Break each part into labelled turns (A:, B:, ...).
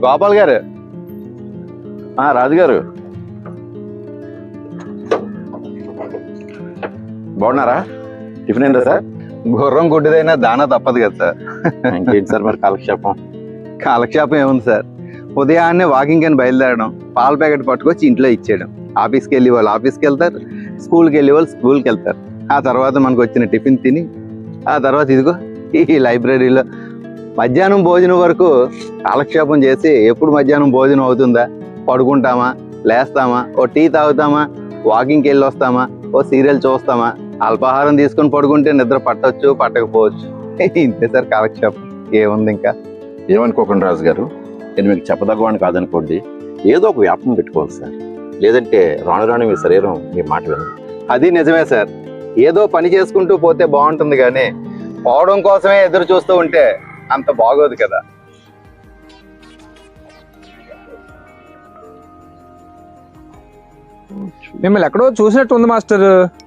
A: గోపాల్ గారు.
B: రాజుగారు బాగున్నారా? టిఫిన్ ఏంటో సార్?
A: గుర్రం గుడ్డిదైనా దానా తప్పదు కదా సార్.
B: ఇంకేంటి సార్ మరి కాలక్షేపం?
A: కాలక్షేపం ఏముంది సార్, ఉదయాన్నే వాకింగ్ అని బయలుదేరడం, పాల ప్యాకెట్ పట్టుకొచ్చి ఇంట్లో ఇచ్చేయడం, ఆఫీస్కి వెళ్ళి వాళ్ళు ఆఫీస్కి వెళ్తారు, స్కూల్కి వెళ్ళి వాళ్ళు స్కూల్కి వెళ్తారు. ఆ తర్వాత మనకు వచ్చిన టిఫిన్ తిని ఆ తర్వాత ఇదిగో ఈ లైబ్రరీలో మధ్యాహ్నం భోజనం వరకు కాలక్షేపం చేసి ఎప్పుడు మధ్యాహ్నం భోజనం అవుతుందా, పడుకుంటామా, లేస్తామా, ఓ టీ తాగుతామా, వాకింగ్కి వెళ్ళి వస్తామా, ఓ సీరియల్ చూస్తామా, అల్పాహారం తీసుకొని పడుకుంటే నిద్ర పట్టవచ్చు పట్టకపోవచ్చు. ఇంతే సార్ కాలక్షేపం, ఏముంది ఇంకా.
B: ఏమనుకోకండి రాజుగారు, నేను మీకు చెప్పదగ్గవాడిని కాదనుకోండి, ఏదో ఒక వ్యాపం పెట్టుకోవాలి సార్. లేదంటే రాను రాను మీ శరీరం మీ మాట వినదు.
A: అది నిజమే సార్, ఏదో పని చేసుకుంటూ పోతే బాగుంటుంది కానీ పోవడం కోసమే ఎదురు చూస్తూ ఉంటే అంత బాగోదు కదా.
C: మిమ్మల్ని ఎక్కడో చూసినట్టు ఉంది మాస్టర్.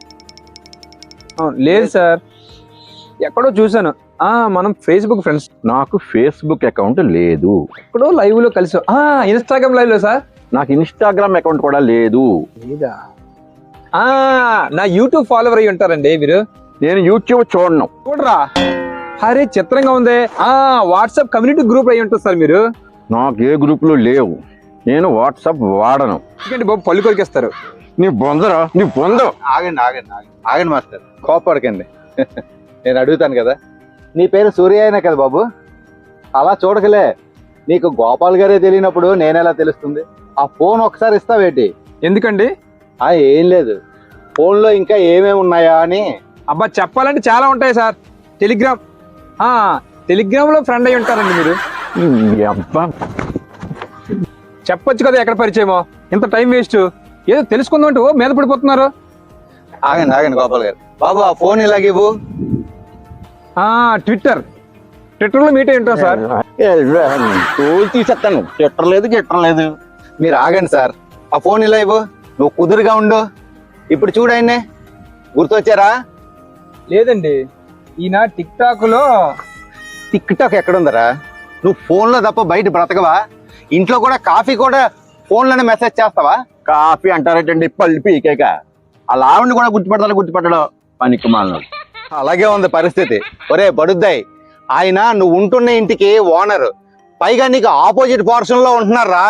C: లేదు సార్, ఎక్కడో చూసాను. మనం ఫేస్బుక్ ఫ్రెండ్స్.
B: నాకు ఫేస్బుక్ అకౌంట్ లేదు.
C: ఎక్కడో లైవ్ లో కలిసి ఇన్స్టాగ్రామ్ లైవ్ లో సార్.
B: నాకు ఇన్స్టాగ్రామ్ అకౌంట్ కూడా లేదు.
C: లేదా? నా యూట్యూబ్ ఫాలోవర్ అయ్యి ఉంటారండి మీరు.
B: నేను యూట్యూబ్ చూడను.
C: చూడరా? అరే చిత్రంగా ఉంది. వాట్సాప్ కమ్యూనిటీ గ్రూప్ అయ్యి ఉంటుంది సార్ మీరు.
B: నాకు ఏ గ్రూపులు లేవు, నేను వాట్సాప్ వాడను.
C: ఎందుకంటే బాబు పళ్ళు కొరికేస్తారు.
B: నీ బొందరా, నీ బొంద.
A: ఆగండి ఆగండి ఆగండి ఆగండి మాస్టర్, కోపడకండి. నేను అడుగుతాను కదా, నీ పేరు సూర్య అయినా కదా బాబు? అలా చూడకలే, నీకు గోపాల్ గారే తెలియనప్పుడు నేనెలా తెలుస్తుంది? ఆ ఫోన్ ఒకసారి ఇస్తావేటి?
C: ఎందుకండి?
A: ఏం లేదు, ఫోన్లో ఇంకా ఏమేమి ఉన్నాయా అని.
C: అబ్బా చెప్పాలంటే చాలా ఉంటాయి సార్. టెలిగ్రామ్, టెలిగ్రామ్ లో ఫ్రెండ్ అయి ఉంటారండి మీరు. చెప్పొచ్చు కదా ఎక్కడ పరిచయమో, ఇంత టైం వేస్ట్. ఏదో తెలుసుకుందాం అంటే మీద పడిపోతున్నారు.
A: ఆగండి ఆగండి గోపాల్ గారు, బాబు ఆ ఫోన్ ఇలాగివ్వు.
C: ట్విట్టర్లో మీట్ అయి ఉంటాం సార్.
B: తీసేస్తాను, గిట్టలేదు.
A: మీరు ఆగండి సార్, ఆ ఫోన్ ఇలా ఇవ్వు. నువ్వు కుదురుగా ఉండు. ఇప్పుడు చూడండి, గుర్తొచ్చారా?
C: లేదండి, ఈయన టిక్ టాక్ లో.
A: టిక్ టాక్ ఎక్కడుందరా? నువ్వు ఫోన్లో తప్ప బయట బ్రతకవా? ఇంట్లో కూడా కాఫీ కూడా ఫోన్లోనే మెసేజ్ చేస్తావా?
B: కాఫీ అంటారేటండి, పళ్ళు పీకేక. అలా ఆవిడని కూడా గుర్తుపట్టడం పనికి మాలను.
A: అలాగే ఉంది పరిస్థితి. ఒరే బడుద్దాయి, ఆయన నువ్వు ఉంటున్న ఇంటికి ఓనర్, పైగా నీకు ఆపోజిట్ పోర్షన్ లో ఉంటున్నారా.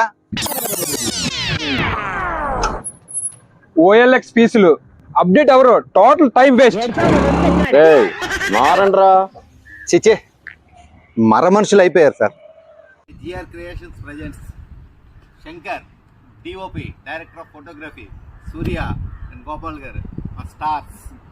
C: OLX పీసులు అప్డేట్ ఎవరు? Total time waste.
B: మారండ్రా.
A: చిచ్చే, మర మనుషులు అయిపోయారు sir.
D: GR creations presents Shankar, DOP, director of photography, Surya and Gopal garu, stars.